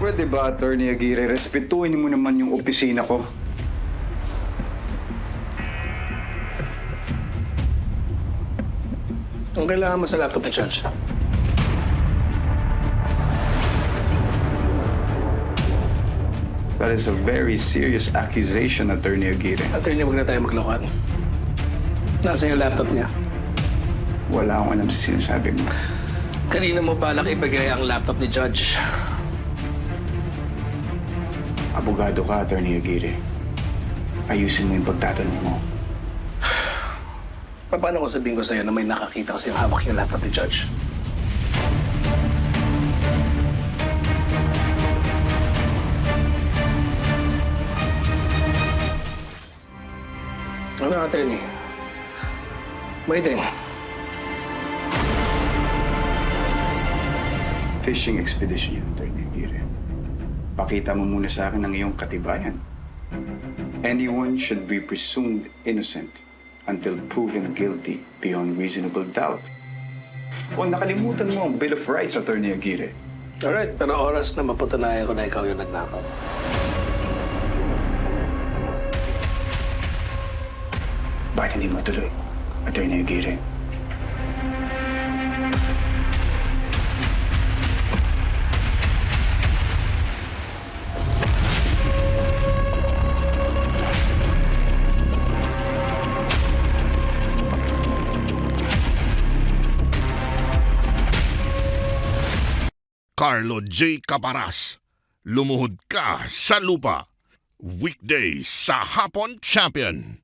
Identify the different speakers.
Speaker 1: Pwede ba, Attorney Aguirre, respetuhin mo naman yung opisina ko?
Speaker 2: Ang kailangan mo sa laptop ni Judge?
Speaker 1: That is a very serious accusation, Attorney Aguirre.
Speaker 2: Attorney, huwag na tayo maglokohan. Nasaan yung laptop niya?
Speaker 1: Wala akong alam sa sinasabi mo.
Speaker 2: Kanina mo balak ibigay ang laptop ni Judge?
Speaker 1: Abogado ka, Attorney Aguirre. Ayusin mo yung pagtatanong mo.
Speaker 2: Paano ko sabihin ko sa'yo na may nakakita kasi yung hawak yung laptop ni Judge? Ano, attorney? Waiting.
Speaker 1: Fishing expedition yun, Attorney Aguirre. Pakita mo muna sa akin ang iyong katibayan. Anyone should be presumed innocent until proven guilty beyond reasonable doubt. O nakalimutan mo ang Bill of Rights, Attorney Aguirre.
Speaker 2: Alright, pero oras na mapatunayan ko na ikaw yung nagnakaw.
Speaker 1: Bakit hindi matuloy, Attorney Aguirre?
Speaker 3: Carlo J. Caparas, lumuhod ka sa lupa. Weekdays sa Hapon Champion.